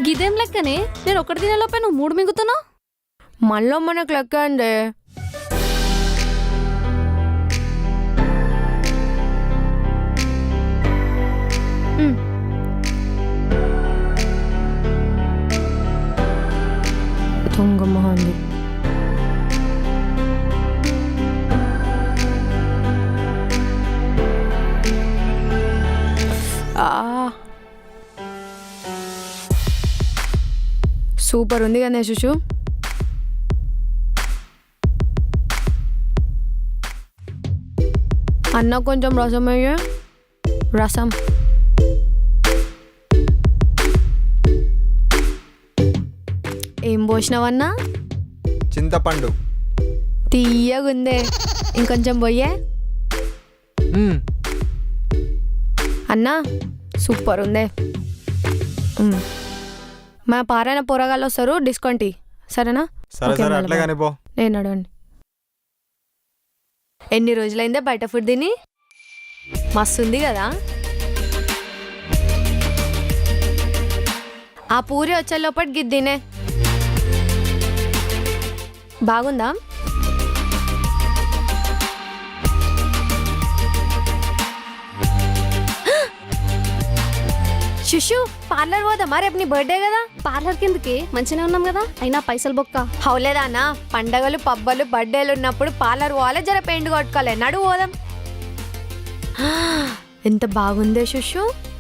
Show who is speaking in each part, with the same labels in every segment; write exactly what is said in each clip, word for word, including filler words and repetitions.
Speaker 1: గిదేం లెక్కనే నేను ఒకటి తినేలోపే నువ్వు మూడు మింగుతున్నావు.
Speaker 2: మళ్ళీ మనకు లెక్క అండి. దొంగమోహంది. సూపర్ ఉంది కదా శుషు. అన్న కొంచెం రసం అయ్యే. రసం ఏం పోసినావన్నా?
Speaker 3: చింతపండు.
Speaker 2: తీయగుందే, ఇంకొంచెం పోయే. అన్నా సూపర్ ఉందే. మా పారాయణ పోరగాళ్ళు వస్తారు, డిస్కౌంట్ ఇ సరేనా? నేను అడగండి. ఎన్ని రోజులైందే బయట ఫుడ్ తిని? మస్తు ఉంది కదా. ఆ పూరి వచ్చే లోపల గిద్దినే బాగుందా? శిశు పార్లర్ పోదామా? రేపు నీ బర్త్డే కదా.
Speaker 1: పార్లర్ కిందకి మంచిగా ఉన్నాం కదా, అయినా పైసలు బొక్క.
Speaker 2: హౌలేదా అన్న, పండగలు పబ్బలు బర్త్డేలు ఉన్నప్పుడు పార్లర్ పోవాలి, జర పెయింట్ కొట్టుకోవాలి. నడు పోదాం. ఎంత బాగుందే శిశు.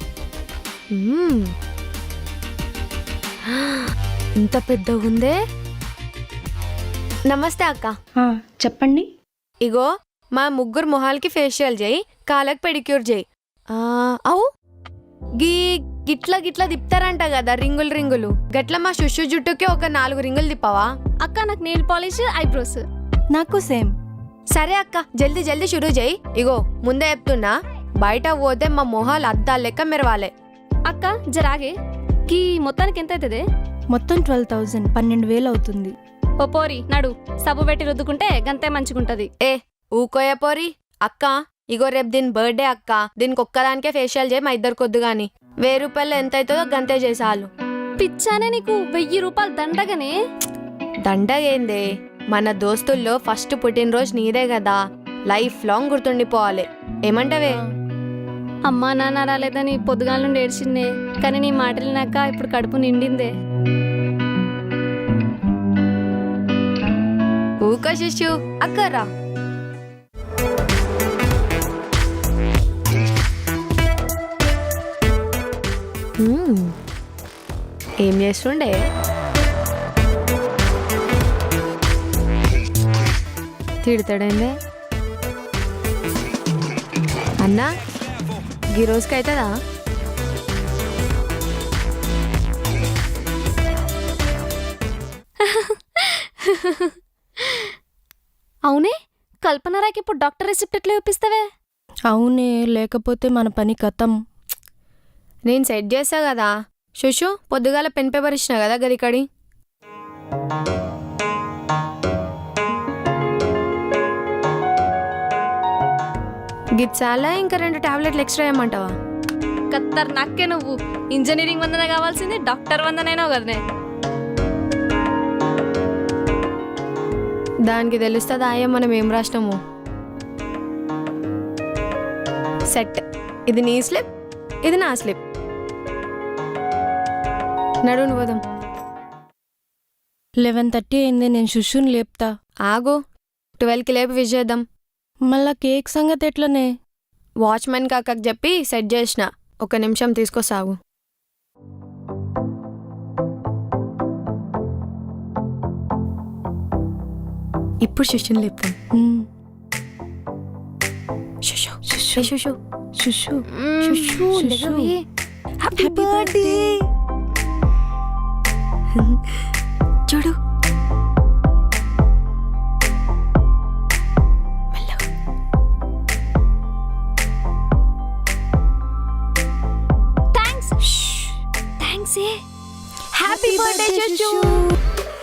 Speaker 2: ఎంత పెద్దగా ఉందే. నమస్తే అక్క.
Speaker 4: చెప్పండి.
Speaker 2: ఇగో మా ముగ్గురు మొహాలకి ఫేషియల్ చేయి, కాళ్ళకి పెడిక్యూర్ చేయి. అవు గీ గిట్ల గిట్ల తిప్పుతారంట కదా రింగులు రింగులు, గట్ల మా శుషు జుట్టుకి ఒక నాలుగు రింగులు తిప్పవా?
Speaker 1: అక్క నాకు నెయిల్ పాలిష్, ఐబ్రోస్.
Speaker 4: నాకు సేమ్.
Speaker 2: సరే అక్క, జల్దీ జల్దీ షురూ చేయి. ఇగో ముందే చెప్తున్నా, బయట పోతే మా మొహాలు అద్దాలు లెక్క మెరవాలే.
Speaker 1: అక్క జరాగే, గీ మొత్తానికి ఎంత అవుతుంది?
Speaker 4: మొత్తం ట్వెల్వ్ థౌజండ్ పన్నెండు వేలు అవుతుంది.
Speaker 1: ఓ పోరి నడు, సబ్బు పెట్టి రుద్దుకుంటే గంతే మంచిగుంటది.
Speaker 2: ఏ ఊకోయ పోరి. అక్క ఇగో రేపు దీని బర్త్డే అక్క, దీనికి ఒక్కదానికే ఫేషియల్ చేయి, మా ఇద్దరు కొద్దు గాని. వెయ్యి రూపాయలు ఎంత అవుతుందో గంతే చేసాలు.
Speaker 1: పిచ్చానే నీకు, వెయ్యి రూపాయలు దండగనే.
Speaker 2: దండగేందే, మన దోస్తుల్లో ఫస్ట్ పుట్టినరోజు నీదే కదా, లైఫ్ లాంగ్ గుర్తుండిపోవాలి. ఏమంటావే?
Speaker 1: అమ్మా నాన్న రాలేదని పొద్దుగాల నుండి ఏడ్చిందే, కానీ నీ మాటలు నాక ఇప్పుడు కడుపు నిండిందే.
Speaker 2: ఊక శిశు. అక్కరా ఏం చేస్తుండే? తిడతాడండి అన్నా. ఈ రోజుకి అవుతుందా?
Speaker 1: అవునే, కల్పనరాకి ఇప్పుడు డాక్టర్ రిసిప్ట్ ఎట్లా చూపిస్తావే?
Speaker 4: అవునే, లేకపోతే మన పని కథం.
Speaker 2: నేను సెట్ చేసా కదా శుషు, పొద్దుగాల పెన్ పేపర్ ఇచ్చిన కదా గదికడి. గిచ్చాలా ఇంకా రెండు టాబ్లెట్లు ఎక్స్ట్రా ఏమంటావా?
Speaker 1: కత్తర్ నాకే నువ్వు. ఇంజనీరింగ్ వందనే కావాల్సింది, డాక్టర్ వందనైనా కదనే.
Speaker 2: దానికి తెలుస్తుందా అయ్యా మనం ఏం రాసినాము? సెట్. ఇది నీ స్లిప్, ఇది నా స్లిప్. నడును పోదాం.
Speaker 4: లెవెన్ థర్టీ అయింది, నేను శుషుని లేపుతా.
Speaker 2: ఆగు, ట్వెల్వ్కి లేపి విష్ చేద్దాం.
Speaker 4: మళ్ళా కేక్ సంగతి ఎట్లనే?
Speaker 2: వాచ్మెన్ కాకకు చెప్పి సెట్ చేసిన, ఒక నిమిషం తీసుకొస్తాగు. ఇప్పుడు శిష్యుని లేపుతాం. శుషు శుషు శుషు
Speaker 4: శుషు
Speaker 2: శుషు
Speaker 4: శుషు
Speaker 2: హ్యాపీ బర్త్డే.